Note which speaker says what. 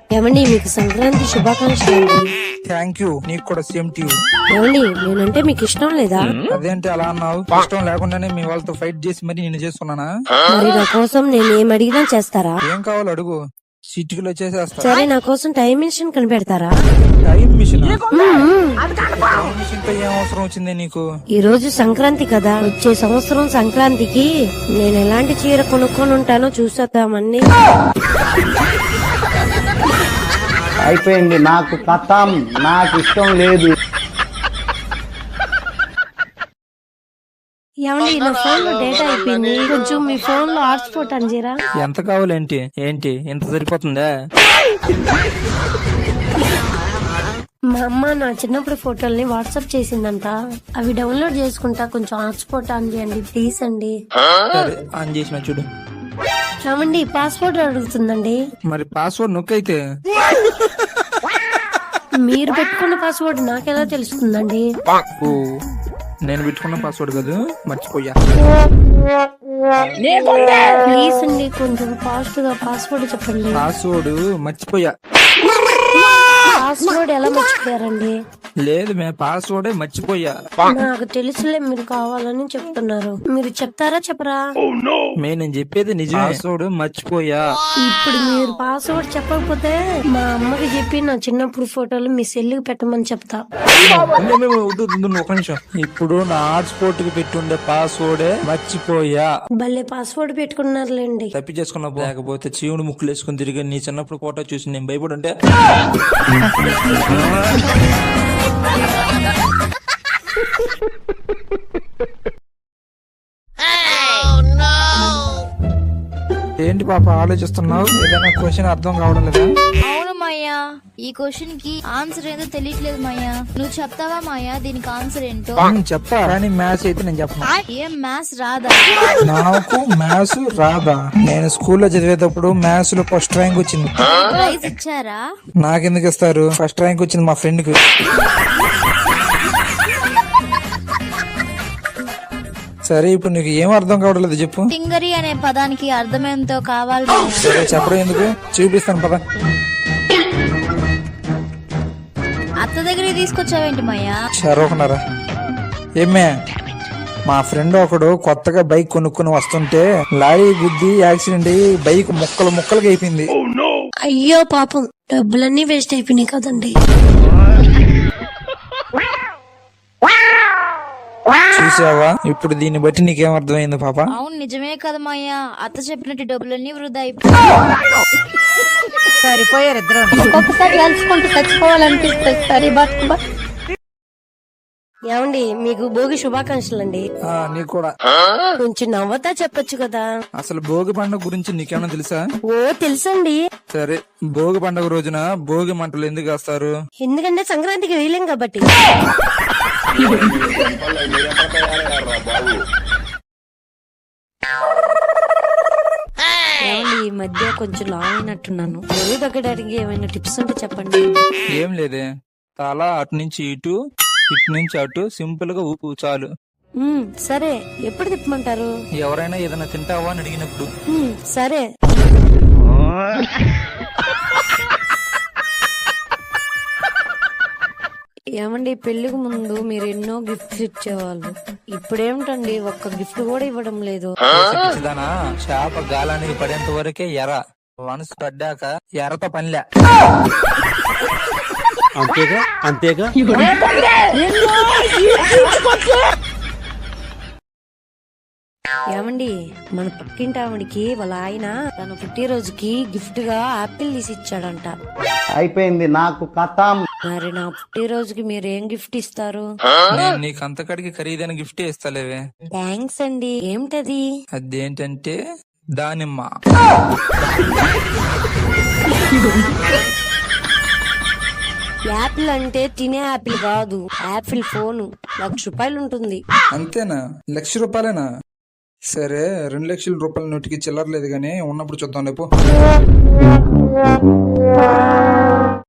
Speaker 1: ఏమండి మీకు సంక్రాంతి శుభాకాంక్షలు అండి.
Speaker 2: థ్యాంక్ యూ, నీకు కూడా సేమ్ టు యూ.
Speaker 1: ఏమండి నేనంటే మీకు ఇష్టం లేదా?
Speaker 2: అదేంటి అలా అన్నావు? ఇష్టం లేకుండానే మీ వాళ్ళతో ఫైట్ చేసి మరి నేను చేస్తున్నానా?
Speaker 1: మరి నా కోసం నేను ఏం అడిగినా చేస్తారా?
Speaker 2: ఏం కావాలో అడుగు, సిటీలో చేసేస్తా.
Speaker 1: సరే నా కోసం టైం మిషన్ కనిపెడతారా?
Speaker 2: Time machine? టైం మిషన్ తో ఏం అవసరం వచ్చింది నీకు?
Speaker 1: ఈ రోజు సంక్రాంతి కదా, వచ్చే సంవత్సరం సంక్రాంతికి నేను ఎలాంటి చీర కొనుక్కొని ఉంటానో చూసేద్దామండి.
Speaker 3: అయిపోయింది, నాకు కథం, నాకు ఇష్టం లేదు.
Speaker 1: ఏమండి నా ఫోన్ లో డేటా అయిపోయింది, కొంచెం మీ ఫోన్ లో హాట్స్పాట్ అని చేయరా?
Speaker 2: ఎంత కావాలేంటి? ఏంటి ఇంత సరిపోతుందా?
Speaker 1: మా అమ్మ నా చిన్నప్పుడు ఫోటోల్ని వాట్సాప్ చేసిందంట, అవి డౌన్లోడ్ చేసుకుంటా, కొంచెం హాట్స్పాట్ ఆన్ చేయండి ప్లీజ్ అండి.
Speaker 2: సరే ఆన్ చేసిన చూడు.
Speaker 1: ఏమండి పాస్వర్డ్ అడుగుతుందండి.
Speaker 2: మరి పాస్వర్డ్ నొక్కైతే
Speaker 1: మీరు పెట్టుకున్న పాస్వర్డ్ నాకెలా తెలుస్తుందండి?
Speaker 2: ఓ, నేను పెట్టుకున్న పాస్వర్డ్ కాదు, మర్చిపోయా.
Speaker 1: ప్లీజ్ అండి కొంచెం ఫాస్ట్ గా పాస్వర్డ్ చెప్పండి.
Speaker 2: పాస్వర్డ్ మర్చిపోయా.
Speaker 1: పాస్వర్డ్ ఎలా మర్చిపోయారండి?
Speaker 2: లేదు మే, పాస్వర్డే మర్చిపోయా.
Speaker 1: నాకు తెలుసులే, మీరు కావాలని చెప్తున్నారు. మీరు చెప్తారా చెప్పరా?
Speaker 2: నేను చెప్పేది నిజం, పాస్వర్డ్ మర్చిపోయా.
Speaker 1: ఇప్పుడు మీరు పాస్వర్డ్ చెప్పకపోతే మా అమ్మకి చెప్పి నా చిన్నప్పుడు ఫోటోలు మీ సెల్లుకి పెట్టమని చెప్తా.
Speaker 2: ఒక నిమిషం, ఇప్పుడు నా హాట్స్పాట్ కి పెట్టుండే పాస్వర్డే మర్చిపోయా.
Speaker 1: భలే పాస్వర్డ్ పెట్టుకున్నారులేండి.
Speaker 2: తప్పి చేసుకున్నా, లేకపోతే చీవుడు ముక్కులు వేసుకుని తిరిగి నీ చిన్నప్పుడు ఫోటో చూసి నేను భయపడుంటే. ఏంటి పాప ఆలోచిస్తున్నావు? ఏదైనా క్వశ్చన్ అర్థం కావడం లేదా?
Speaker 4: అవును మాయా, ఈ క్వశ్చన్ కి ఆన్సర్ ఏదో తెలియట్లేదు మాయా. నువ్వు చెప్తావా మాయా దీనికి ఆన్సర్ ఏంటో?
Speaker 2: చెప్తా, కానీ మ్యాథ్స్ అయితే నేను చెప్పను.
Speaker 4: ఏం మ్యాథ్స్ రాదా?
Speaker 2: నాకు మ్యాథ్స్ రాదా? నేను స్కూల్లో చదివేటప్పుడు మ్యాథ్స్ లో ఫస్ట్ ర్యాంక్ వచ్చింది.
Speaker 4: ప్రైజ్ ఇచ్చారా?
Speaker 2: నాకెందుకు ఇస్తారు? ఫస్ట్ ర్యాంక్ వచ్చింది మా ఫ్రెండ్ కి. సరే ఇప్పుడు నీకు ఏం అర్థం కావట్లేదు చెప్పు.
Speaker 4: టింగరి అనే పదానికి అర్థమేంతో కావాలి మాయా.
Speaker 2: సరే చెప్పడం ఎందుకు, చూపిస్తాను పద.
Speaker 4: అత్త దగ్గరికి తీసుకొచ్చావేంటి మాయా?
Speaker 2: చరవకున్నారా? ఏమే, మా ఫ్రెండ్ ఒకడు కొత్తగా బైక్ కొనుక్కొని వస్తుంటే లారీ గుద్ది యాక్సిడెంట్ అయ్యి బైక్ ముక్కలు ముక్కలుగా అయిపోయింది.
Speaker 1: అయ్యో పాపం, డబ్బులన్నీ వేస్ట్ అయిపోయినాయి కదండి.
Speaker 2: చూసావా, ఇప్పుడు దీన్ని బట్టి నీకేం అర్థమైంది పాప?
Speaker 4: అవును నిజమే కదా మాయా, అత్త చెప్పినట్టు డబ్బులన్నీ వృధా
Speaker 1: సరిపోయారు ఇద్దరు. ఒక్కొక్కసారి కలుసుకుంటూ చచ్చిపోవాలనిపిస్తుంది. సరే బట్ ఏమండి మీకు భోగి శుభాకాంక్షలు అండి.
Speaker 2: నీకు కూడా.
Speaker 1: కొంచెం నవ్వతా చెప్పొచ్చు కదా.
Speaker 2: అసలు భోగి పండుగ గురించి నీకేమైనా తెలుసా?
Speaker 1: ఓ తెలుసండి.
Speaker 2: సరే, భోగి పండుగ రోజున భోగి మంటలు ఎందుకు వేస్తారు?
Speaker 1: ఎందుకంటే సంక్రాంతికి వేయలేం కాబట్టి. ఈ మధ్య కొంచెం లావ్ అయినట్టున్నాను, బరువు తగ్గడానికి ఏమైనా టిప్స్ ఉంటే చెప్పండి.
Speaker 2: ఏం లేదే, తల అటు నుంచి ఇటు, ఇటు నుంచి అటు సింపుల్ గా ఊపు చాలు.
Speaker 1: సరే, ఎప్పుడు తిప్పమంటారు?
Speaker 2: ఎవరైనా ఏదైనా తింటావా అని అడిగినప్పుడు.
Speaker 1: సరే. ఏమండి పెళ్లికి ముందు మీరు ఎన్నో గిఫ్ట్స్ ఇచ్చేవాళ్ళు, ఇప్పుడేమిటండి ఒక్క గిఫ్ట్ కూడా ఇవ్వడం లేదు.
Speaker 2: పిచ్చిదానా, చేప గాలానికి పడేంత వరకే ఎర, మనసు పడ్డాక ఎరతో పనిలే.
Speaker 3: అంతేగా అంతేగా.
Speaker 1: ఏమండి మన పక్కింటి ఆవిడికి వాళ్ళ ఆయన తన పుట్టినరోజుకి గిఫ్ట్ గా ఆపిల్ తీసి ఇచ్చాడంట.
Speaker 3: అయిపోయింది, నాకు కథం.
Speaker 1: మరి నా పుట్టినరోజుకి మీరు ఏం గిఫ్ట్ ఇస్తారు?
Speaker 2: నేను నీకు అంతకడికి ఖరీదైన గిఫ్ట్ ఇస్తాలేవే.
Speaker 1: థ్యాంక్స్ అండి. ఏమిటది?
Speaker 2: అదేంటంటే దానిమ్మ.
Speaker 1: యాపిల్ అంటే తినే యాపిల్ కాదు, యాపిల్ ఫోను. ₹1,00,000 ఉంటుంది.
Speaker 2: అంతేనా? ₹1,00,000? సరే, ₹2,00,000 నోటికి చిల్లర లేదు గానీ ఉన్నప్పుడు చూద్దాం లేపు.